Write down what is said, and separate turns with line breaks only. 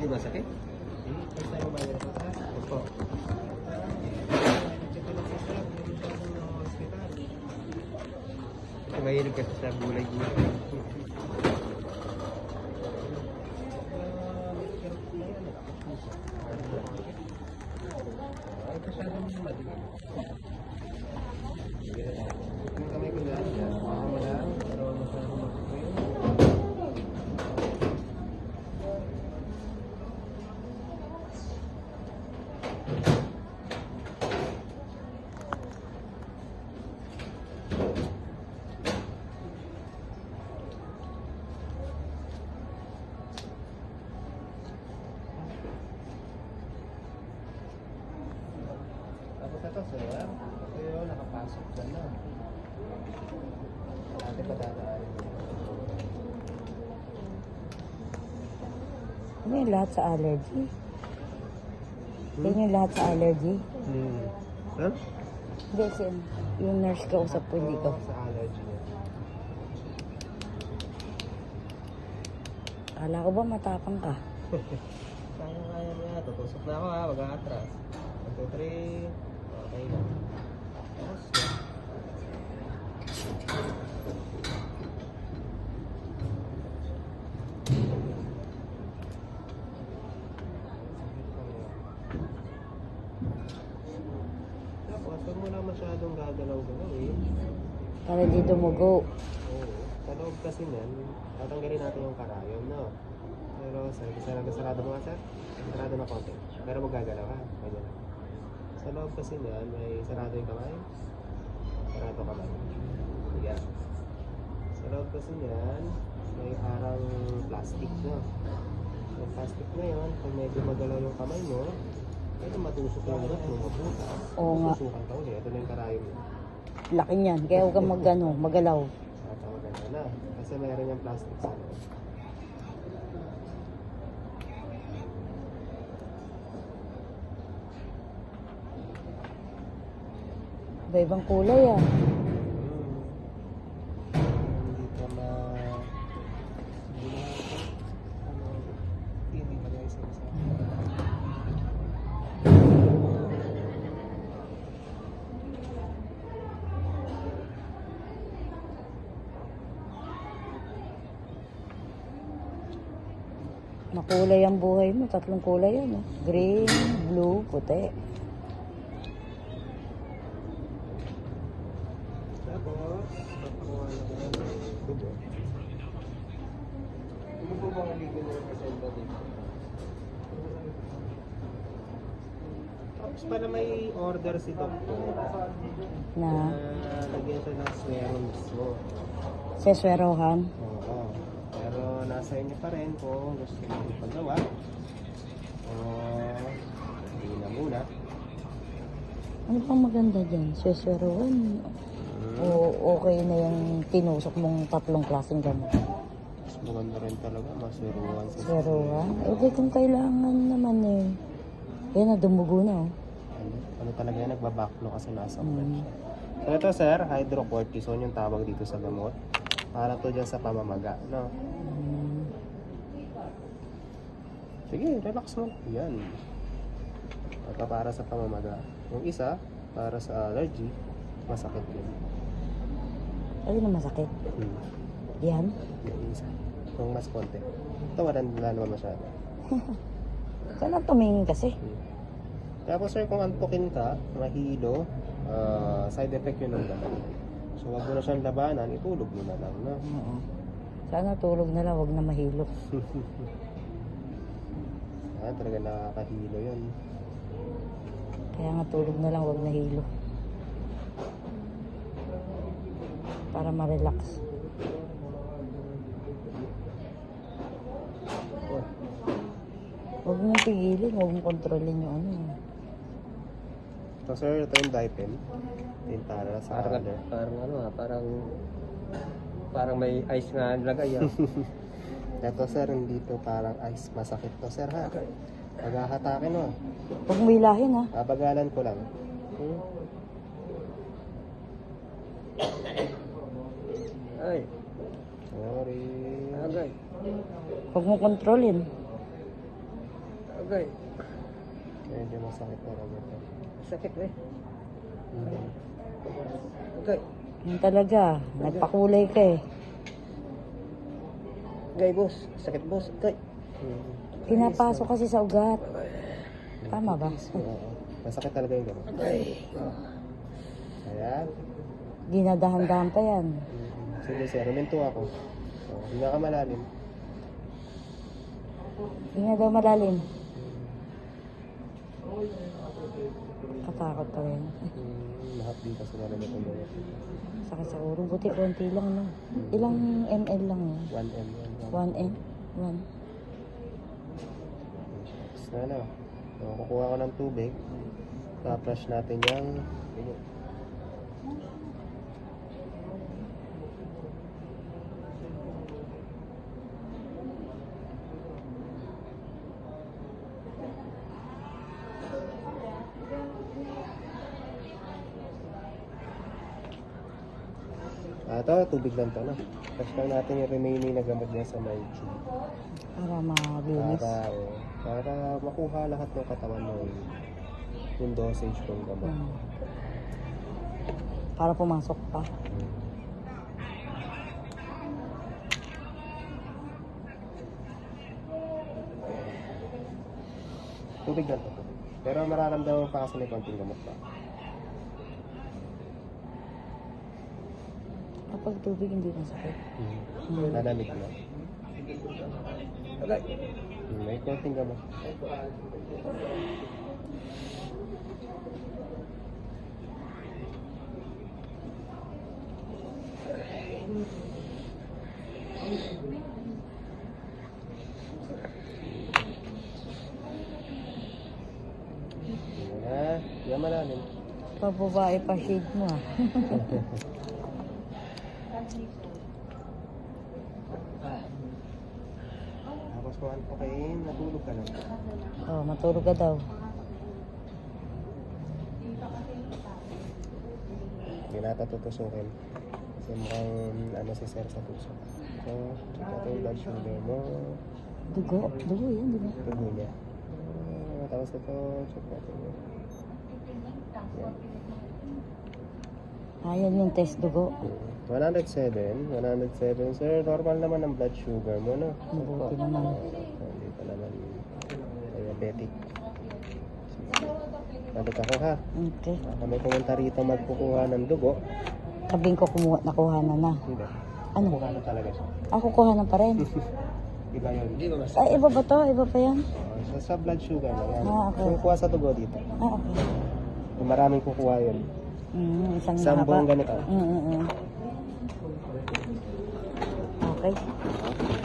Di ba sakit?
First time mo ba yun ito, sir?
Opo.
Check ko lang po, sir. Meron siya sa hospital.
Kasi mahilig kasi sa gulay-gulay.
Ay, masyadong madilim. Yung kamay ko dyan, baka mo lang, pero masyadong madilim. Tapos ito, sir. Ito yun, nakapasok dyan na. Dati pa dadaan.
Ano yung lahat sa allergy? Yan yung lahat sa allergy?
Sir?
Hindi, yung nurse ka usap po, hindi ko.
Sa allergy niya.
Kala ko ba matapang ka?
Kaya niya. Tutusok na ako ha, mag-aatras. 1, 2, 3. Okay na. Tapos na. Tapos, huwag mo na masyadong gagalaw-galaw eh.
Para di dumugo.
Oo. Sa loob kasi niyan, tatanggalin natin yung karayom, no? Pero sarado mo nga, sir? Sarado na konti. Pero magagalaw ha. Ganyan lang. Sa loob kasi niyan, may sarado yung kamay. Sarado kamay. Yan. Sa loob kasi niyan, may parang plastic, no? Yung plastic na yun, kung medyo magalaw yung kamay mo, pwede matusok yung ugat mo, mabuta.
Oo nga.
Susukan ka ulit. Ito na yung karayom mo.
Laki niyan. Kaya huwag kang magalaw.
Tatawagan ka na. Kasi mayroon yung plastic sa loob.
Iba-ibang kulay ah.
Hindi ka ma... Hindi ka guys.
Makulay ang buhay mo. 3 kulay yan. Eh. Green, blue, puti.
Tapos, makuha na ko ng dugo. Ano po bang legal na representa dito? Tapos para may order si doktor
Na
lagyan siya ng swero mismo.
seswerohan.
Oo. Pero nasa inyo pa rin kung gusto nyo ipagawa. O hindi na muna.
Ano pang maganda dyan? Seswerohan. O okay na yung tinusok mong 3 klaseng gamot.
Mas maganda rin talaga, masuruan sa
Seswerohan? Eh di kung kailangan naman eh. Yan na, dumugo na oh.
ano talaga yan, nagbabaklo kasi nasa ugat
Mm.
siya. So ito sir, hydrocortisone yung tawag dito sa gamot. Para to dyan sa pamamaga, no?
Mm.
Sige, relax mo. Yan. Ito para sa pamamaga. Yung isa, para sa allergy, masakit yun.
Ano na masakit? Yan?
Yung isa. Yung mas konti. Ito wala naman masyado.
Sana tumingin kasi.
Tapos sir, kung antukin ka, mahilo, side effect yun ng gamot. So wag mo na siyang labanan, itulog mo na lang, no?
Oo. Sana tulog na lang, wag na mahilo.
Talaga nakakahilo yun.
Kaya nga tulog na lang, wag na hilo. Para ma-relax. Huwag mong pigilin, huwag mong kontrolin yung ano.
So sir, ito yung Dipen. Ito yung para sa color.
Parang ano parang may ice nga nilagay ah.
Ito sir, hindi to parang ice. Masakit to sir ha. Maghahatakin mo.
Huwag mo hilahin ha.
Babagalan ko lang.
Ay,
Sorry.
agay.
Huwag mo kontrolin.
Okay.
Medyo masakit talaga ito.
Sakit eh.
Mm.
Okay.
Yan talaga. Nagpakulay ka eh.
Okay, boss. Sakit, boss. Okay.
Mm.
Pinapasok kasi sa ugat. Tama ba?
Oo. Masakit talaga yung gano'n.
Okay.
Ayan.
Dinadahan-dahan pa yan.
Sige sir, ruminto ako. So, hindi ka malalim.
Hindi nga daw malalim. Katakot pa rin.
Mahapdi kasi na naman itong mga.
Sakit sa ulo. Buti konti lang, no? Ilang ml lang yun?
1M.
1 m? 1.
Na ano. So, kukuha ko ng tubig. Pa-flush natin yung dugo. Ito, tubig lang to, no? Flush lang natin yung remaining na gamot niya sa may tube.
Para malinis.
Para makuha lahat ng katawan mo yung dosage ng gamot.
Hmm. Para pumasok pa.
Tubig lang to. Pero mararamdaman pa kasi may konting gamot pa.
Kapag tubig hindi masakit.
Nalamig na.
Okay.
May konting gamot. Yan malalim.
Pababae pa shade mo ah.
Tapos kung ano okay, natulog ka lang.
Oh, matulog ka daw.
Hindi natin tutusukin. Kasi mukhang ano si sir sa puso. So, check natin yung blood sugar mo.
Dugo. Dugo yan, di ba?
Tugo niya. Tapos ito, check natin yun. Yan.
Ayan yung test dugo.
107 sir. Normal naman ang blood sugar mo, no?
Mabuti naman.
Hindi pa naman diabetic. Balik ako ha.
Okay.
Kami pumunta rito magkukuha ng dugo.
Sabing ko nakuha na.
Hindi.
Ano?
Kukuha na talaga siya.
Ako kuha na pa rin.
Iba yun.
Hindi ba mas...
Ay, iba ba to? Iba pa yan?
Sa blood sugar na yan.
Ah, okay.
So, kuha sa dugo dito.
Ah, okay.
Kung maraming kukuha yun.
Isang
Isang
mahaba.
buong ganito.
Okay.